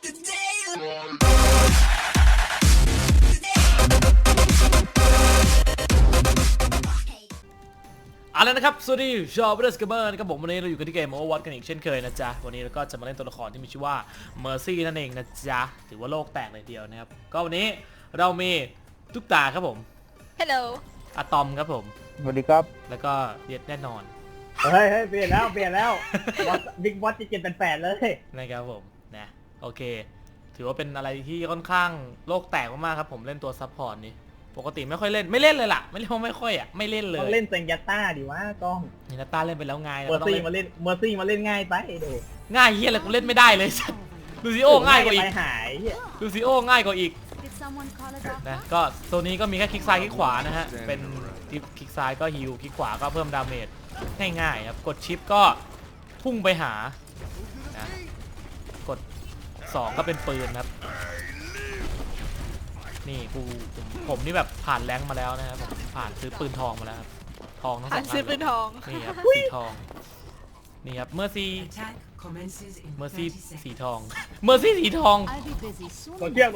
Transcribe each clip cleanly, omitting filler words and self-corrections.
เอาละนะครับสวัสดีชาวเบสเกมเมอร์นะครับผมวันนี้เราอยู่กันที่เกม Overwatch กันอีกเช่นเคยนะจ๊ะวันนี้เราก็จะมาเล่นตัวละครที่มีชื่อว่า Mercy นั่นเองนะจ๊ะถือว่าโลกแตกเลยเดียวนะครับก็วันนี้เรามีตุ๊กตาครับผม Hello อะตอมครับผมสวัสดีครับแล้วก็เย็ดแน่นอนเฮ้ยเปลี่ยนแล้วบิ๊กบอสจะ788เลยนะครับผมนะโอเคถือว่าเป็นอะไรที่ค่อนข้างโลกแตกมากๆครับผมเล่นตัวซัพพอร์ตนี้ปกติไม่ค่อยเล่นเลยล่ะไม่เล่นไม่ค่อยอ่ะไม่เล่นเลยต้องเล่นเซงยัตต้าดิวะกล้องนี่นาตาเล่นไปแล้วไงเมอร์ซี่มาเล่นง่ายไปดูง่ายเฮียอะไรกูเล่นไม่ได้เลยลูซิโอง่ายกว่าอีกลูซิโอง่ายกว่าอีกนะก็ตัวนี้ก็มีแค่คลิกซ้ายคลิกขวานะฮะเป็นคลิกซ้ายก็ฮิลคลิกขวาก็เพิ่มดาเมจง่ายๆครับกดชิปก็พุ่งไปหานะกด2ก็เป็นปืนครับนี่ผมนี่แบบผ่านแรงมาแล้วนะครับผมผ่านซื้อปืนทองมาแล้วครับทองทั้งสองอันซื้อปืนทองนี่ครับสีทองนี่ครับเมอร์ซี่สีทองเมอร์ซี่สีทองโดนเชือก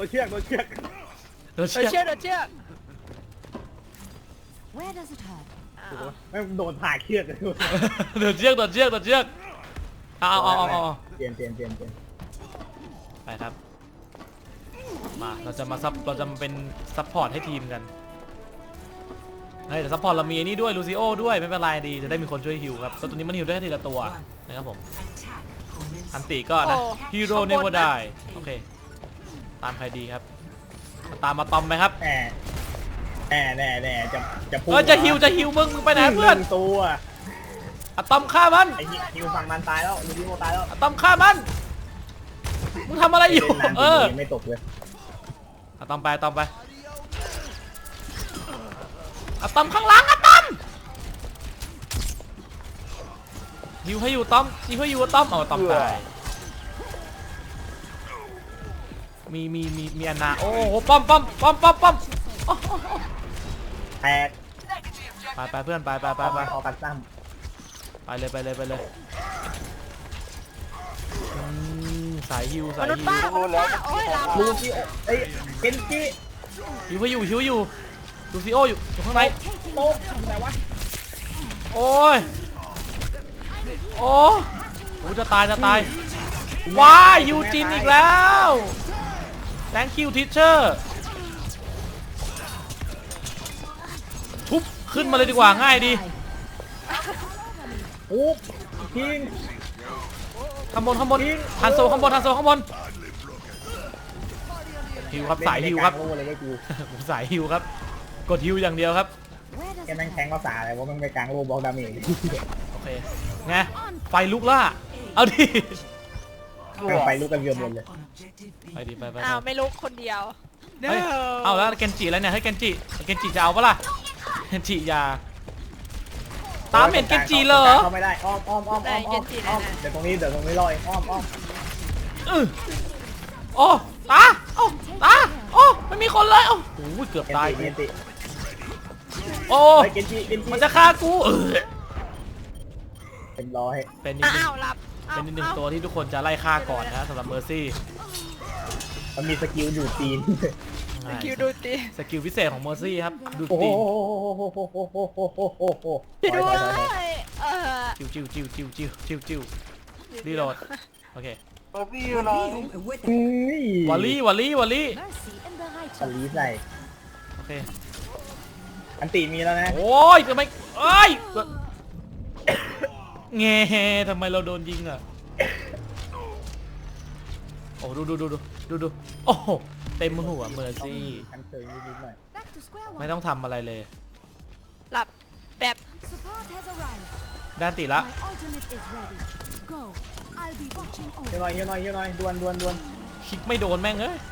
ไม่โดนผ่าเชือกเลยโดนเชือกเอาเปลี่ยนไปครับมาเราจะมาเป็นซัพพอร์ตให้ทีมกันแต่ซัพพอร์ตเรามีนี่ด้วยลูซิโอด้วยไม่เป็นไรดีจะได้มีคนช่วยฮิวครับตัวนี้มันฮิวได้ทีละตัวนะครับผมอันติก็นะฮีโร่เนเวอร์ได้โอเคตามใครดีครับตามมาตอมไหมครับแจะพูดจะฮิวมึงไปไหนเพื่อนตัวอะตอมฆ่ามันไอ้ฮิวฝั่งมันตายแล้วลูซิโอตายแล้วอะตอมฆ่ามันมึงทำอะไรอยู่ไม่ตกเลยอะตอมไปอะตอมข้างหลังอะตอมฮิวให้อยู่ตอมเอาตอมตายมีอันนาโอ้โหป้อมแตกไปเพื่อนไปออกกันซ้ำไปเลยสายฮิวมนุษย์ป้าโอ้ยลาลูซิโอเอ้ยเคนจิฮิวอยู่ลูซิโออยู่ข้างในโต๊ะอะไรวะโอ้จะตายว้ายยูจินอีกแล้ว thank you teacher ทุบขึ้นมาเลยดีกว่าง่ายดีโอ้ทิ้งข้างบนทันโซข้างบนฮิวครับสายฮิวครับผมสายฮิวครับกดฮิวอย่างเดียวครับแกแม่งแทงภาษาอะไรวะมันไปกลางโลบอกดาเมจโอเคไงไฟลุกล่ะเอาดิไฟลุกกันเยอะหมดเลยไปดิไปอ้าวไม่ลุกคนเดียวเอาแล้วเกนจิแล้วเนี่ยให้เกนจิจะเอาปะล่ะเกนจิยาตามเห็นเกนจิเลยเขาไม่ได้อ้อมเดี๋ยวตรงนี้ลอยอ้อมโอ้ตาไม่มีคนเลยโอ้โหเกือบตายโอ้มันจะฆ่ากูเป็นร้อยเป็นอีกหนึ่งตัวที่ทุกคนจะไล่ฆ่าก่อนนะสำหรับเมอร์ซี่มันมีสกิลดูดตีนสกิลพิเศษของเมอร์ซี่ครับดูดตีนด้วยจิ้วรีโหลดโอเควอลลี่ใส่โอเคอันตีมีแล้วนะโอ้ยทำไมเงี้ยทำไมเราโดนยิงอ่ะโอ้ดูโอ้เต็มหัวเมอร์ซี่ไม่ต้องทำอะไรเลยหลับแบบด้านติละเยอะหน่อยดวนคลิกไม่โดนแม่งเอ้ย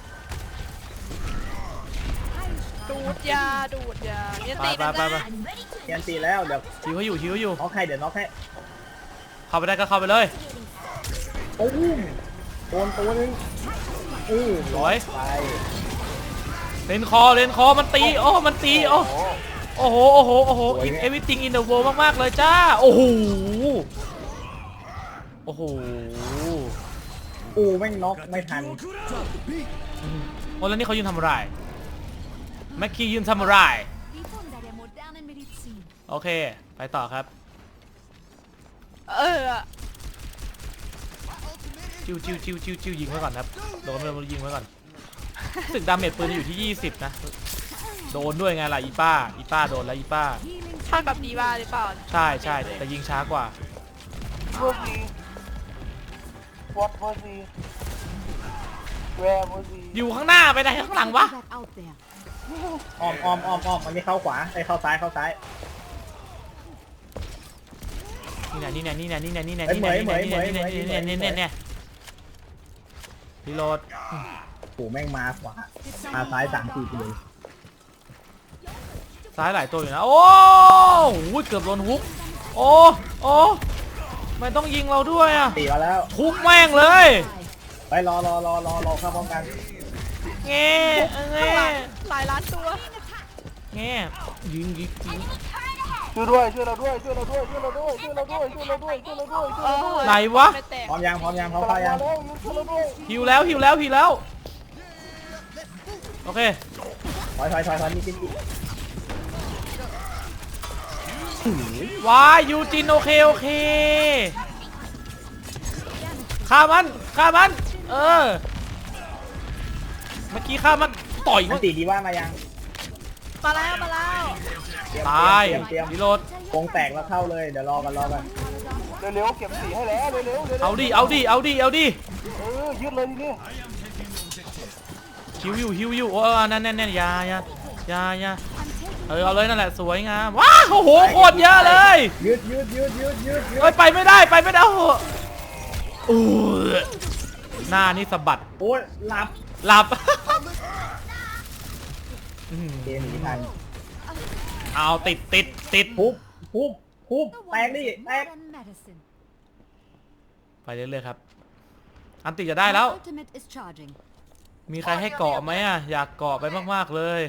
ดูดยาเนี่ยตียันตีแล้วเดี๋ยวฮิวอยู่น็อกให้เดี๋ยวน็อกให้เข้าไปได้ก็เข้าไปเลยโอ้ยโดนตัวนึงร้อยเลนคอมันตีมันตีโอ้โหeverything in the world มากๆเลยจ้าโอ้โหกูแม่งน็อกไม่ทันโอ้แล้วนี่เขายืนทำอะไรแม็กกี้ยืนทำอะไรโอเคไปต่อครับเออจิ้วยิงไว้ก่อนครับโดนเลยยิงไว้ก่อนรู้สึกดาเมจปืนอยู่ที่20นะโดนด้วยไงล่ะอีป้าโดนแล้วอีป้าท่ากับดีว่าหรือเปล่าใช่แต่ยิงช้ากว่า What was he? Where was he? อยู่ข้างหน้าไปไหนข้างหลังวะอ้อมมันไม่เข้าขวาไอ้เข้าซ้ายนี่รีโหลดกูแม่งมาขวามาซ้าย3-4ตัวซ้ายหลายตัวอยู่นะโอ้โหเกือบโดนฮุกโอ้ไม่ต้องยิงเราด้วยอ่ะตีมาแล้วฮุกแม่งเลยไปรอเข้าพร้อมกันแง่แง่หลายล้านตัวแง่ยิงช่วยเราด้วยไหนวะไม่แตกพร้อมยังพร้อมเข้ายังช่วยเราด้วยหิวแล้วโอเคถอยนี่ว้ายยูจินโอเคฆ่ามันเมื่อกี้ฆ่ามันต่อยมัมัน นตีดีว่ามายังมาแล้วตายเตรียมรีโหลดวงแตกแล้วเข้าเลยเดี๋ยวรอกันเร็วเก็บสีให้แล้วเร็วเอาดิยืดเลยทีนี้ฮิวอยู่โอ้นั่นอยาเอาเลยนั่นแหละสวยงามว้าโอ้โหโคตรเยอะเลยยืดเฮ้ยไปไม่ได้โอ้โหหน้านี่สะบัดโอ้ยหหลับเกมหนีทันเอาติดปุ๊บแตกดิแตกไปเรื่อยๆครับอันติจะได้แล้วมีใครให้เกาะไหมอ่ะอยากเกาะไปมากๆเลย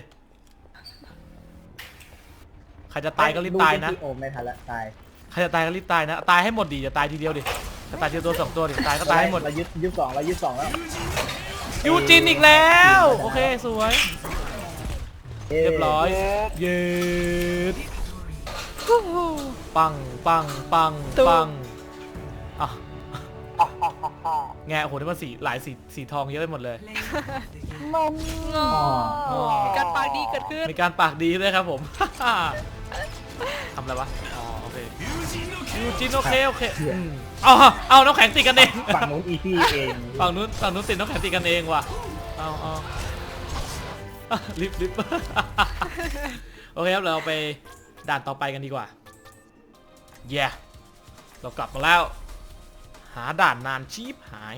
ใครจะตายก็รีบตายนะโอ้ไม่ทันละตายใครจะตายก็รีบตายนะตายให้หมดดิอย่าตายทีเดียวดิจะตายทีตัว2ตัวดิตายก็ตายให้หมดเรายึดสองแล้วยูจินอีกแล้วโอเคสวยเรียบร้อยเย็ดปังอ่ะแงโอ้โหนี่มันหลายสีทองเยอะไปหมดเลยมันมีการปากดีเกิดขึ้นมีการปากดีด้วยครับผม ทำอะไรวะอ๋อโอเคยูจินโอเคเอาน้ำแข็งติดกันเองฝั่งนู้นอีซี่เองฝั่งนู้นติดน้ำแข็งติดกันเองว่ะเอาลิฟโอเคครับเราไปด่านต่อไปกันดีกว่าเรากลับมาแล้วหาด่านนานชีพหาย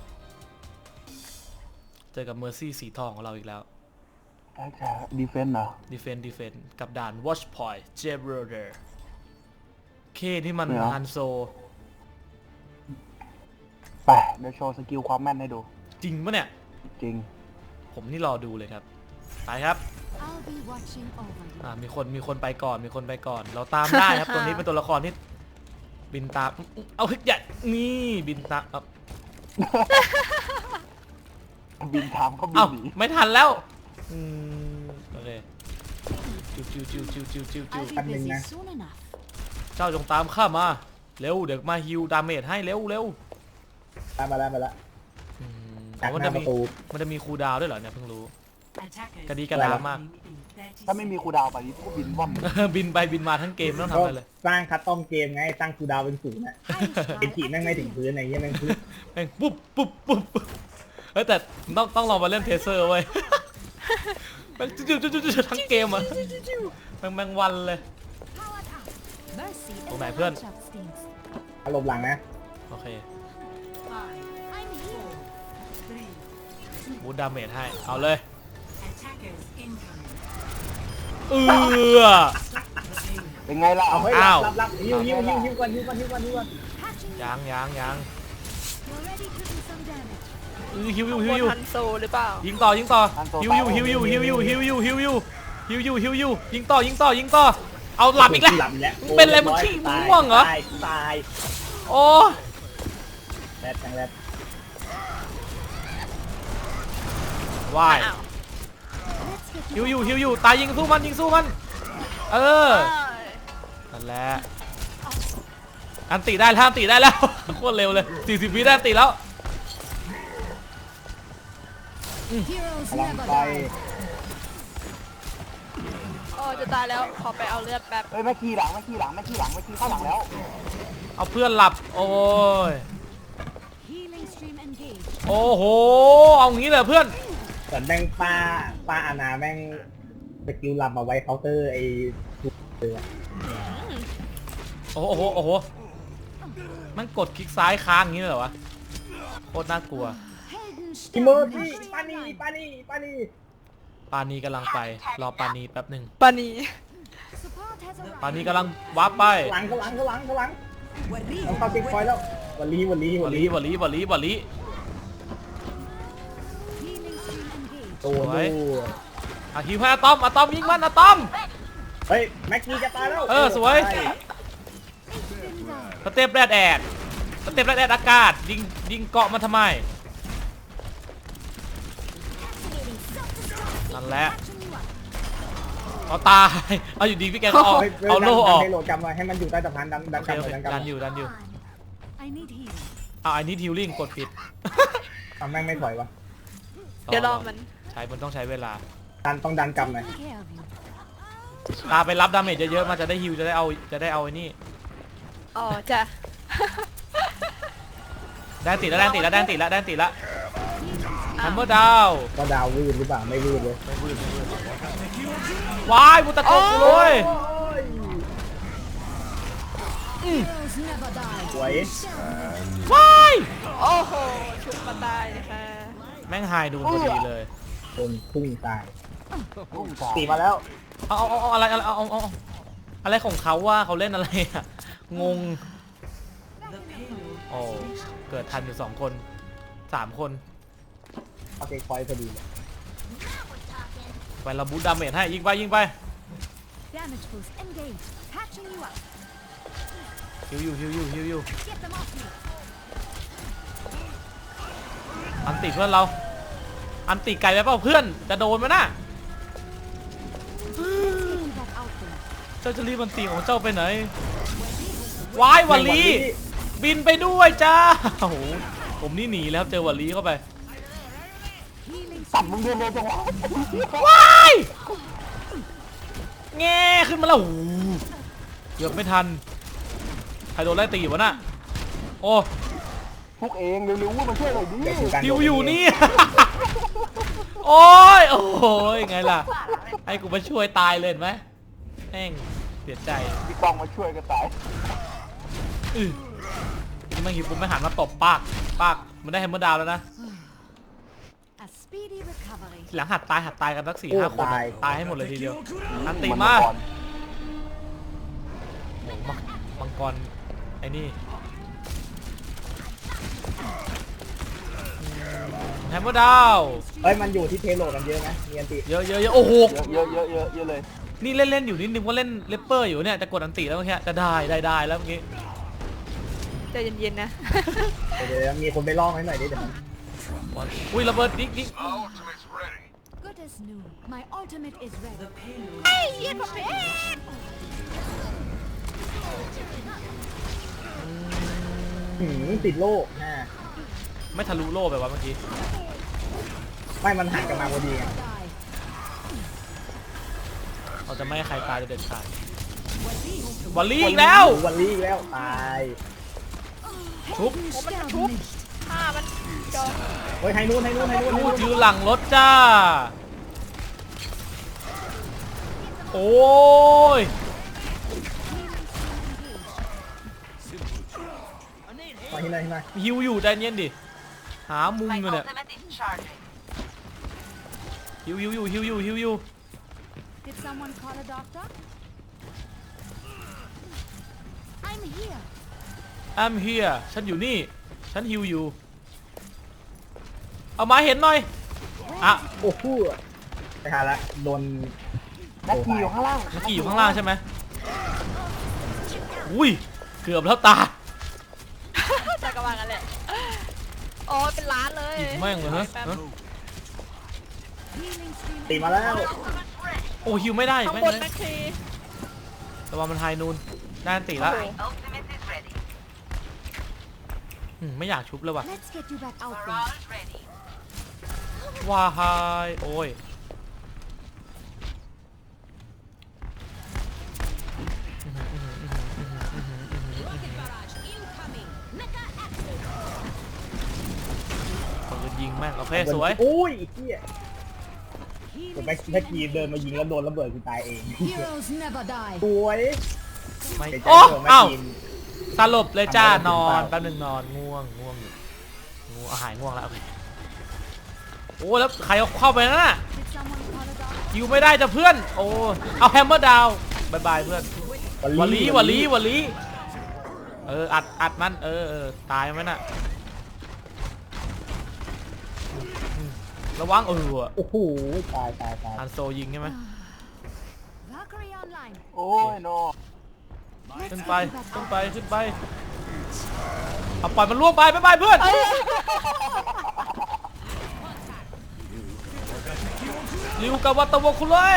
เจอกับเมอร์ซี่สีทองของเราอีกแล้วดีเฟนต์เหรอดีเฟนกับด่าน Watch Point j e b r o d e r เคที่มันฮันโซไปเดี๋ยวโชว์สกิลความแม่นให้ดูจริงปะเนี่ยจริงผมนี่รอดูเลยครับไปครับมีคนไปก่อนเราตามได้ครับ ตัวนี้เป็นตัวละครที่บินตามเอาฮึกใหญ่นี่บินตามบินทามเขาบินเอ้าหนีไม่ทันแล้วโอเคจิ้วแป๊บนึงนะเจ้าจงตามข้ามาเร็วเดี๋ยวมาฮิวดาเมจให้เร็วตามมาแล้วจากหน้าประตูมันจะมีคูลดาวน์ด้วยเหรอเนี่ยเพิ่งรู้กระดีกระดามากถ้าไม่มีครูดาวไปนี่ก็บินว่ำบินไปบินมาทั้งเกมไม่ต้องทำอะไรเลยสร้างคัสตอมเกมไงตั้งคูดาวเป็น0น่ะเป็นขีดแม่งไม่ถึงพื้นอะไรเงี้ยแม่งแม่งปุ๊บเฮ้ยแต่ต้องลองมาเล่นเทเซอร์เว้ยแม่งจุ๊ทั้งเกมอ่ะแม่งวันเลยตรงไหนเพื่อนอารมณ์หลังนะโอเคบูทดาเมจให้เอาเลยเป็นไงล่ะเอาเฮ้ยอ้าวรับฮิวก่อนยังฮิวฮันโซหรือเปล่ายิงต่อฮิวยิงต่อเอาหลับอีกแล้วเป็นอะไรมึงขี้ม่วงเหรอตายโอ้แรดว่ายอ้าวฮิวอยู่ตายยิงสู้มันเออเอ้ยนั่นแหละอันติได้แล้ว โคตรเร็วเลย40 วิได้อันติแล้วกำลังไปโอ้จะตายแล้วขอไปเอาเลือดแป๊บเฮ้ยไม่ขี่หลังเข้าหลังแล้วเอาเพื่อนหลับโอ้ยโอ้โหเอางี้เลยเพื่อนส่วนแม่งป้าอาณาแม่งสกิลลับมาไว้เคาน์เตอร์ไอ้ทุกเรือโอ้โหมันกดคลิกซ้ายค้างอย่างนี้เลยเหรอวะโคตรน่ากลัวอิโมจิปานีปานีกำลังไปรอปานีแป๊บหนึ่งปานีปานีกำลังวาร์ปไปหลังต้องเข้าเช็คพอยต์แล้ววันลี ตัวสวยดูอะฮิวให้อะตอมยิงมันอะตอมเฮ้ยแม็กกี้จะตายแล้วสวย สเต็ปแรดแอดอากาศยิงเกาะมันทำไมนั่นแหละเอาตายเอาอยู่ดีพี่แกก็เอาโล่ออกให้โหลดกำไว้ให้มันอยู่ใต้สะพานดันโอเคกำเลยดันดันกำอยู่เอาไอ้นี่ฮิลลิ่งกดผิดทำแม่งไม่ถอยวะเดี๋ยวรอมันมันต้องใช้เวลาต้องดันกำหน่อยตาไปรับดาเมจเยอะๆมันจะได้ฮิลจะได้เอาไอ้นี่อ๋อจ้ะแดนติแล้วฮัมเมอร์ดาวก็ดาววืดหรือเปล่าไม่วืดเลยวายบุตะโกกูเลยสวยวายโอ้โหชุบมาตายค่ะแม่งไฮดูพอดีเลยคนพุ่งตายพุ่งสายตีมาแล้วเอาอะไรของเขาว่าเขาเล่นอะไรอะงงโอ้เกิดทันอยู่2 คน 3 คนเอาเช็คพอยต์พอดีเลยไปเราบูทดาเมจให้ยิงไปฮิวอยู่อันติเพื่อนเราอันติไกลไปเปล่าเพื่อนจะโดนมั้ยน่ะเจ้าจะรีบอันติของเจ้าไปไหนวายวัลลีบินไปด้วยจ้าโอ้โหผมนี่หนีแล้วครับเจอวัลลีเข้าไปตัดมึงเดินเลยจังหวะว้ายแง่ขึ้นมาแล้วโอ้โหเกือบไม่ทันใครโดนไล่ตีวะน่ะโอ้พวกเองเร็วๆมาช่วยหน่อยดิฮิวอยู่นี่ โอ้ยไงล่ะให้กูมาช่วยตายเลยเห็นไหมแม่งเสียใจพี่กองมาช่วยกันตายนี่มันหิวปุ๊บไม่หันมาตบปากมันได้แฮมเมอร์ดาวน์แล้วนะหลังหัดตายกันสัก4-5 คนตายให้หมดเลยทีเดียวอันติมาโอ้มังกรไอ้นี่แฮมเมอร์ดาวน์เฮ้ยมันอยู่ที่เทโลกันเยอะไหมมีอันติเยอะโอ้โหเยอะเลยนี่เล่นอยู่นิดนึงว่าเล่นเลปเปอร์อยู่เนี่ยจะกดอันติแล้วเมื่อกี้จะได้แล้วเมื่อกี้ใจเย็นๆนะเดี๋ยวมีคนไปล่องให้หน่อยดิเดี๋ยวมันอุ้ยระเบิดดิ๊กเฮ้ยเย็นผมเองติดโล่ฮะไม่ทะลุโล่ไปวะเมื่อกี้ไม่มันหันกันมาพอดีไงเราจะไม่ให้ใครตายจะเด็ดขาดวอลลี่อีกแล้ววันลีอีกแล้วตายชุบมันชุบฆ่ามันจอเฮ้ยให้นู่นพูดยืนหลังรถจ้าโอ้ยมาที่ไหนฮิวอยู่ใจเย็นดิหามุมอยู่เนี่ยฮิวอยู่ Did someone call a doctor? I'm here. I'm here ฉันอยู่นี่ฉันฮิวอยู่เอามาเห็นหน่อยอ่ะโอ้โหไปหาละโดนนักขี่อยู่ข้างล่างเมื่อกี้อยู่ข้างล่างใช่ไหมอุ้ยเกือบแล้วตาจะกระวังกันแหละโอ้ยเป็นล้านเลยอีกแม่งเลยฮะ Healing stream ตีมาแล้วโอ้ฮิวไม่ได้ข้างแม่งบนเลยแม็กซีแต่ว่ามันไฮนูนได้อันติละไม่อยากชุบเลยว่ะ Let's get you back out there. ว้าไฮโอ้ยปืนยิงแม่งโอเคสวยโอ้ยไอ้เหี้ยแต่แม็กกี้เดินมายิงแล้วโดนระเบิดกูตายเอง Heroes never die. สวยไม่ใจโอ้เธอแม็กอ้าวกี้สลบเลยจ้าทำอะไรนอนหรือเปล่าแป๊บนึงนอนง่วงอยู่ง่วงหายง่วงแล้วโอเคโอ้แล้วใครเอาเข้าไปนั่นน่ะ Did someone call a doctor? อยู่ไม่ได้จะเพื่อนโอ้เอาแฮมเมอร์ดาวบายบายเพื่อนวลีอัดมันตายไหมน่ะระวังโอ้โหตายอันโซยิงใช่ไหม Valkyrie online. โอ้ยโนขึ้นไปเอาปล่อยมันล่วงไปบายบายเพื่อนริวกับวัตตะวคุเลย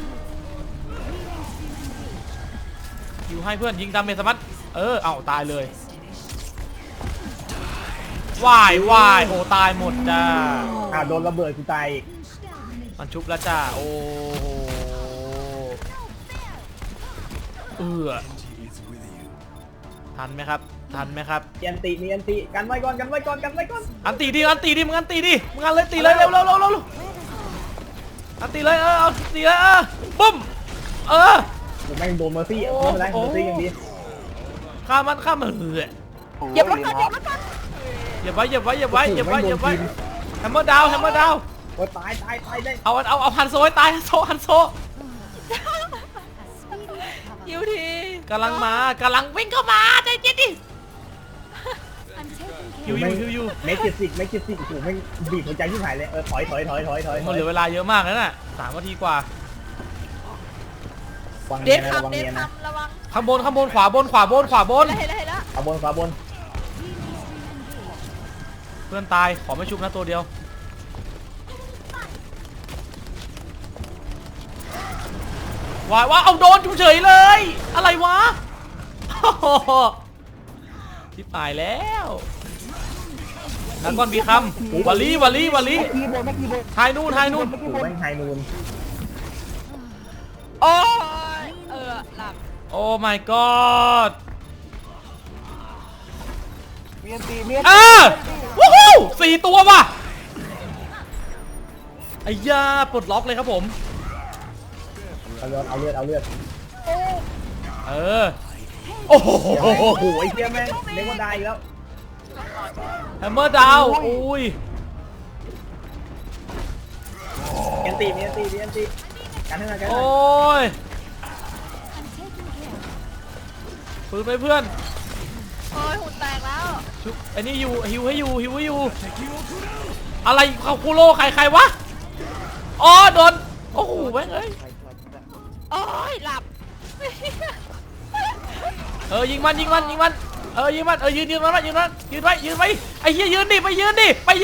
ยิวให้เพื่อนยิงดาเมจสมัตเอาตายเลยวายโอ้ตายหมดจ้าโดนระเบิดกูตายอีกมันชุบแล้วจ้าโอ้ทันไหมครับมีอันติกันไว้ก่อนอันตีดิมึงอันเลยตีเลยเร็วอันตีเลยเอาตีเลยปุ้มผมแม่งโดนเมอร์ซี่ไม่เป็นไรเมอร์ซี่ยังดีข้ามมันเหยียบรถกันเหยียบไว้แฮมเมอร์ดาวโอ้ยตายได้เอาฮันโซให้ตายฮันโซฮิวทีกำลังวิ่งเข้ามาใจเย็นดิ I'm taking ฮิว care. อยู่เมจิสิกโอ้โหแม่งบีบหัวใจที่หายเลยถอยมันเหลือเวลาเยอะมากแล้วน่ะ3 นาทีกว่าวังเด็เนียดนะระวังคำเด็เนีดยนะคำระวังข้างบนขวาบนเห็นแล้วขวาบนเพื่อนตายขอไม่ชุบนะตัวเดียวว้าเอาโดนจุเฉยเลยอะไรวะที่ตายแล้วนักก้อนบีคำวลีคีย์บอร์ดไม่คีย์บอร์ดไฮนูนโอ้โหแม่งไฮนูนโอ้ยหลับโอ้ my god มีอันตีวู้ฮู้4 ตัวว่ะไอ้ยาปลดล็อกเลยครับผมเอาเลือดโอ้โหโอ้โหไอ้เหี้ยแม่งเล็กว่าได้อีกแล้วแฮมเมอร์ดาวอุ้ยมีอันติกันให้หน่อยโอ้ย I'm taking care. ปืนไปเพื่อนโอ้ยหุ่นแตกแล้วชุบไอ้นี่อยู่ฮิวให้อยู่อะไรเขาคูโร่ใครวะอ๋อโดนโอ้โหแม่งเอ้ยโอ้ยหลับยิงมันยิงมันยืนมันยืนไว้ไอ้เหี้ยยืนดิไปยืนดิ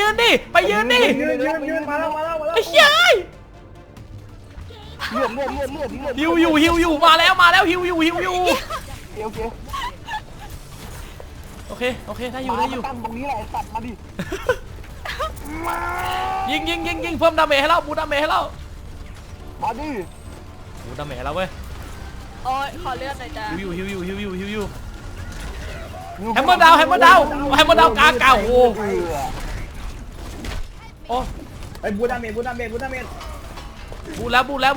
ยืนมาแล้วไอ้เหี้ยเลือดฮิวอยู่มาแล้วฮิวอยู่โอเคได้อยู่ตั้งตรงนี้แหละตัดมาดิยิงเพิ่มดาเมจให้เราบูดาเมจให้เรามาดิบูดาเมจให้เราเว้ยโอ้ยขอเลือดหน่อยจ้ะฮิวอยู่แฮมเมอร์ดาวกาโอ้ไอ้บูดาเมจบูแล้ว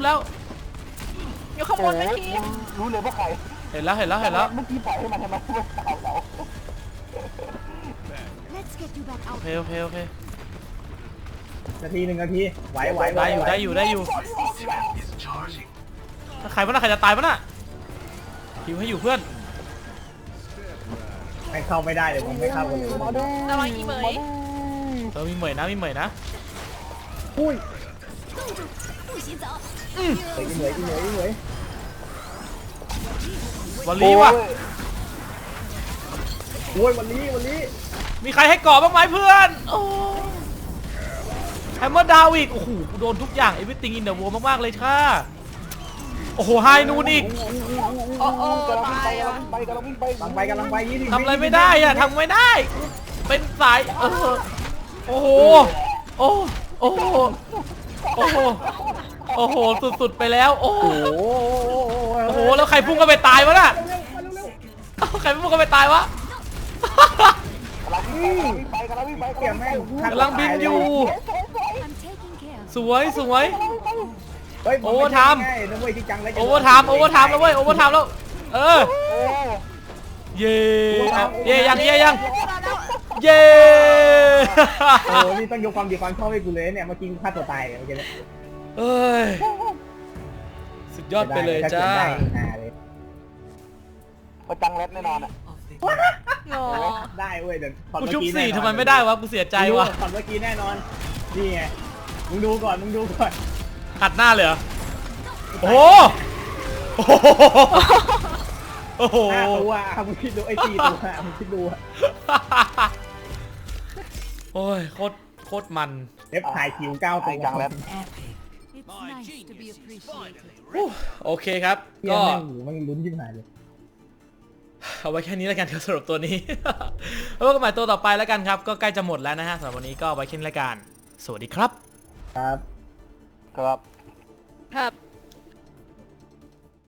อยู่ข้างบนแม็กซีรู้เลยว่าใครเห็นแล้วเมื่อกี้ปล่อยให้มันทำไมไม่ตายเรา Let's get you back out. โอเคนาทีไหวได้อยู่ใครวะน่ะใครจะตายวะน่ะฮิวให้อยู่เพื่อนไม่เข้าไม่ได้เลยผมไม่เข้ากันเลยระวังอีเหมยมีเหมยนะอุ้ย不许走。 เหนื่อยวลีว่ะโอ้ยวันนี้มีใครให้เกาะบ้างไหมเพื่อนโอ้แฮมเมอร์ดาวอีกโอ้โหกูโดนทุกอย่าง everything in the world มากๆเลยค่ะโอ้โหไฮนูนอีกโอ้โอ้กำลังตายอ่ะวิ่งไปกำลังวิ่งไปกำลังไป20 ทำอะไรไม่ได้อะทำไม่ได้เป็นสายโอ้โหโอ้โอ้โหโอ้โหโอ้โหสุดๆไปแล้วโอ้โห โอ้โหแล้วใครพุ่งเข้าไปตายวะน่ะใครพุ่งเข้าไปตายวะกำลังวิ่งไปกำลังวิ่งไปเกี่ยวแม่งกำลังบินอยู่ I'm taking care. สวยสวยเฮ้ยโอเวอร์ไทม์นะเว้ยที่จังเลยโอเวอร์ไทม์แล้วเว้ยโอเวอร์ไทม์แล้วเออเย่เอาเย่ยังเย่โอ้นี่ต้องยกความดีความชอบให้กูเลยเนี่ยเมื่อกี้ฆ่าตัวตายเลยเมื่อกี้เอ้ยสุดยอดไปเลยจ้าประจังเล็ดแน่นอนอ่ะงอได้เว้ยเดี๋ยวกูชุบสี่ทำไมไม่ได้วะกูเสียใจวะตอนเมื่อกี้แน่นอนนี่ไงมึงดูก่อนขัดหน้าเลยเหรอโอ้โหโอ้โห 5 ตัวมึงคิดดูไอ้4 ตัวมึงคิดดูโอ้ยโคตรมันเอฟถ่ายคิว9 ตัวไอ้จังเล็ด It's nice to be appreciated. โอเคครับก็ก็มันลุ้นยิ่งหายเลยเอาไว้แค่นี้แล้วกันครับสำหรับตัวนี้ แล้วก็หมายตัวต่อไปแล้วกันครับ ก็ใกล้จะหมดแล้วนะฮะสำหรับวันนี้ก็ไว้แค่นี้แล้วกันสวัสดีครับครับครับครับ